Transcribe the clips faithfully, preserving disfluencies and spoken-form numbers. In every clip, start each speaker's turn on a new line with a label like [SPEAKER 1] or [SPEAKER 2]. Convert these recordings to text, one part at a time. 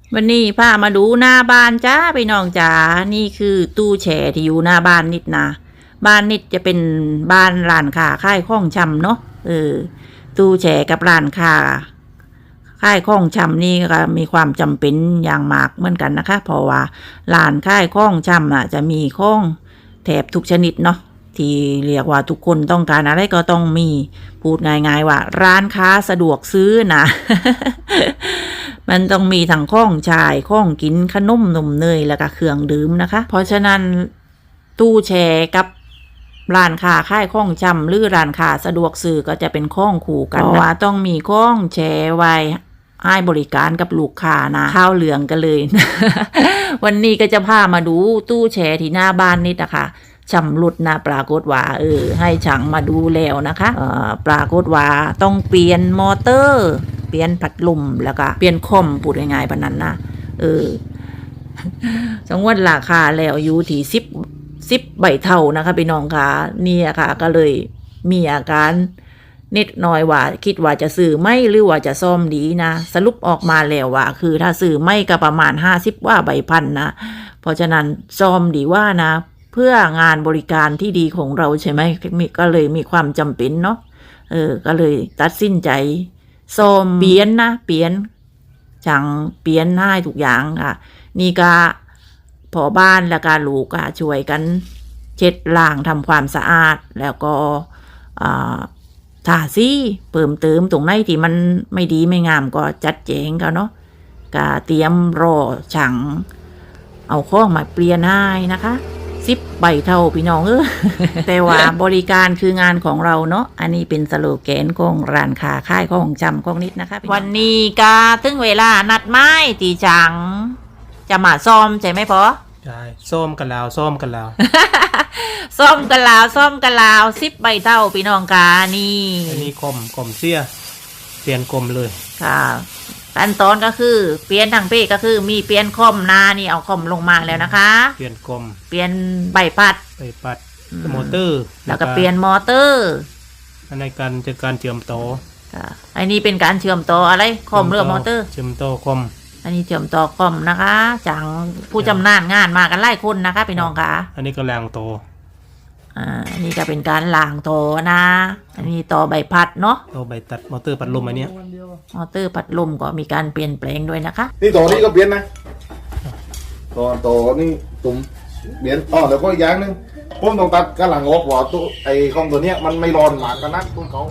[SPEAKER 1] วันนี้พามาดูหน้าบ้านจ้าพี่น้องจ๋านี่คือตู้แช่ที่อยู่หน้าบ้านนิดนะบ้านนิดจะเป็นบ้านร้านค้าค่ายข้องชำเนาะเออตู้แช่กับร้านค้าค่ายข้องชำนี่ก็มีความจำเป็นอย่างมากเหมือนกันนะคะเพราะว่าร้านค่ายข้องชำอ่ะจะมีข้องแถบทุกชนิดเนาะที่เรียกว่าทุกคนต้องการอะไรก็ต้องมีพูดง่ายๆว่าร้านค้าสะดวกซื้อนะ มันต้องมีทั้งข้องชายข้องกินขนมนมเนยแล้วก็เครื่องดื่มนะคะเพราะฉะนั้นตู้แช่กับร้านค้าค่ายข้องชำหรือร้านค้าสะดวกซื้อก็จะเป็นข้องคู่กันเพราะว่าต้องมีข้องแช่ไว้ให้บริการกับลูกค้านะข้าวเหลืองกันเลย วันนี้ก็จะพามาดูตู้แช่ที่หน้าบ้านนิดนะคะชำรุดนะปรากฏว่าเออให้ช่างมาดูแล้วนะคะเอ่อปรากฏว่าต้องเปลี่ยนมอเตอร์เปลี่ยนพัดลมแล้วก็เปลี่ยนคอมพูดง่ายๆปานนั้นนะเออ สมมติราคาแล้วอยู่ที่สิบสิบใบเท่านะคะพี่น้องค่ะนี่อะค่ะก็เลยมีอาการนิดหน่อยว่าคิดว่าจะซื้อไม่หรือว่าจะซ่อมดีนะสรุปออกมาแล้วว่าคือถ้าซื้อไม่ก็ประมาณห้าสิบว่าใบพันนะเพราะฉะนั้นซ่อมดีว่านะเพื่องานบริการที่ดีของเราใช่ไหมก็เลยมีความจำเป็นเนาะเออก็เลยตัดสินใจซ่อมเปลี่ยนนะเปลี่ยนช่างเปลี่ยนให้ทุกอย่างค่ะนี่ก็พอบ้านและการลูกก็ช่วยกันเช็ดล้างทำความสะอาดแล้วก็ทาสีเพิ่มเติมตรงไหนที่มันไม่ดีไม่งามก็จัดแจงกันเนาะก็เตรียมรอช่างเอาข้องมาเปลี่ยนให้นะคะสิบใบเท่าพี่น้องเออ แต่ว่าบริการคืองานของเราเนาะอันนี้เป็นสโลแกนของร้านค้าค่ายของจำของนิดนะคะวันนี้ก็ถึงเวลานัดไม้ตีจังจะมาซ่อมใช่ไหมพอ
[SPEAKER 2] ใช่ส้มกันแล้วส้มกันแล้ว
[SPEAKER 1] ซ่อมกันแล้วซ่อมกันแล้วสิบใบเท่าพี่น้องกานี่
[SPEAKER 2] อันนี้กลมกลมเสียเปลี่ยนกลมเลย
[SPEAKER 1] ค่ะขั้นตอนก็คือเปลี่ยนทางเป้ก็คือมีเปลี่ยนคอมนานี่เอาคอมลงมาแล้วนะคะ
[SPEAKER 2] เปลี่ยนกลม
[SPEAKER 1] เปลี่ยนใบพัด
[SPEAKER 2] ใบพัดมอเตอร์
[SPEAKER 1] แล้วก็เปลี่ยนมอเตอร์
[SPEAKER 2] อันในการจะการเชื่อมต่อ
[SPEAKER 1] ค่ะอันนี้เป็นการเชื่อมต่ออะไรคอมหรือมอเตอร์
[SPEAKER 2] เชื่อมต่อคอม
[SPEAKER 1] อันนี้เชื่อมต่อคอมนะคะจังผู้จำนานงานมากันไล่คนนะคะพี่น้องค่ะ
[SPEAKER 2] อันนี้ก็แรงโต
[SPEAKER 1] อ่าอันนี้ก็เป็นการล้างโตนะอันนี้ต่อใบพัดเนาะ
[SPEAKER 2] ต่อใบตัดมอเตอร์พัดลมอันนี้
[SPEAKER 1] มอเตอร์พัดลมก็มีการเปลี่ยนแปลงด้วยนะคะ
[SPEAKER 3] นี่ตัวนี้ก็เปลี่ยนนะตัวตัวนี่ตุ่มเปลี่ยนอ๋อแล้วก็อย่างนึงผมต้องตัดกระหลังออกหัวตัวไอ้ของตัวเนี้ยมันไม่ร้อนหมากกันนักคุณเขา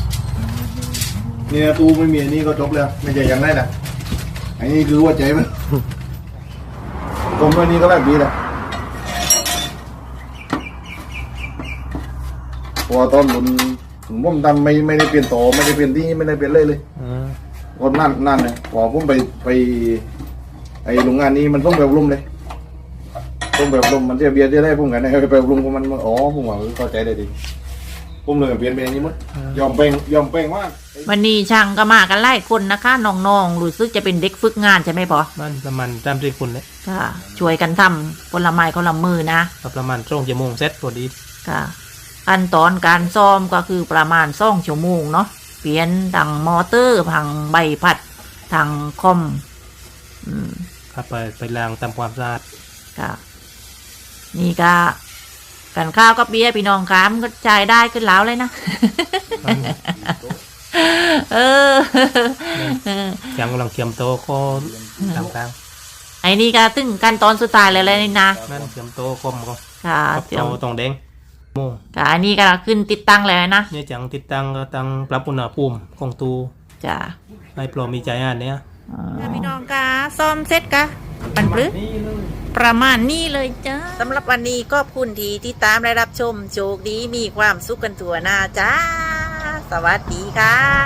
[SPEAKER 3] เนี่ยตูไม่มีนี่ก็จบแล้วไม่ใช่อย่างไรนะอันนี้คือว่าใจมันผมว่านี่ก็แบบนี้แหละพอตอนผมผมทำไม่ไม่ได้เปลี่ยนต่อไม่ได้เปลี่ยนที่ไม่ได้เปลี่ยนเลยเลยคนนั่นนั่นเลยพอผมไปไปไอโรงงานนี้มันต้องแบบลุ่มเลยต้องแบบลุ่มมันเสียเบียร์จะได้พุ่งกันไปแบบลุ่มมันอ๋อผมว่าเข้าใจได้ดีผมเลยเปลี่ยนไปอย่างนี้มั้งยอมเป่งยอมเป่งว่า
[SPEAKER 1] วันนี้ช่างก็มากันไล่คนนะคะน้องๆรู้สึกจะเป็นเด็กฝึกงานใช่ไหมพอ
[SPEAKER 2] มันประมาณตามที่คุณเลย
[SPEAKER 1] ค่ะช่วยกันทำคนละไม้คนละมือนะ
[SPEAKER 2] ประมาณช่วงชั่วโมงเสร็จพอดี
[SPEAKER 1] ค่ะขั้นตอนการซ่อมก็คือประมาณสองชั่วโมงเนาะเปลี่ยนทางมอเตอร์ทางใบพัดทางคอม
[SPEAKER 2] อืมครับไปไปล้างทำความสะอาด
[SPEAKER 1] ค่ะนี่ก็กันข้าวกับเบียร์พี่น้องค้ามก็จ่ายได้ขึ้นแล้วเลยนะเออ
[SPEAKER 2] ยังกำลังเตรียมโตก็ทำกลาง
[SPEAKER 1] ไอ้นี่ก็ถึงขั้นตอนสุดท้ายเลยเลยนี่นะ
[SPEAKER 2] นั่นเตรียมโตคมก็
[SPEAKER 1] ค่ะ
[SPEAKER 2] เตรียมตรงแดงโม่
[SPEAKER 1] ค่ะอันนี้ก็ขึ้นติดตั้งเลยนะ
[SPEAKER 2] เนี่ยจังติดตั้งก็ตั้งปรับอุณหภูมิของตู
[SPEAKER 1] จ้ะ
[SPEAKER 2] ให้ปลอมีใจอ่านเนี่ย
[SPEAKER 1] พี่น้องกาซ่อมเสร็จกะปันปลื้ประมาณนี้เลยจ้าสำหรับวันนี้ก็คุณทีที่ตามได้รับชมโชคดีมีความสุขกันทั่วหน้าจ้าสวัสดีค่ะ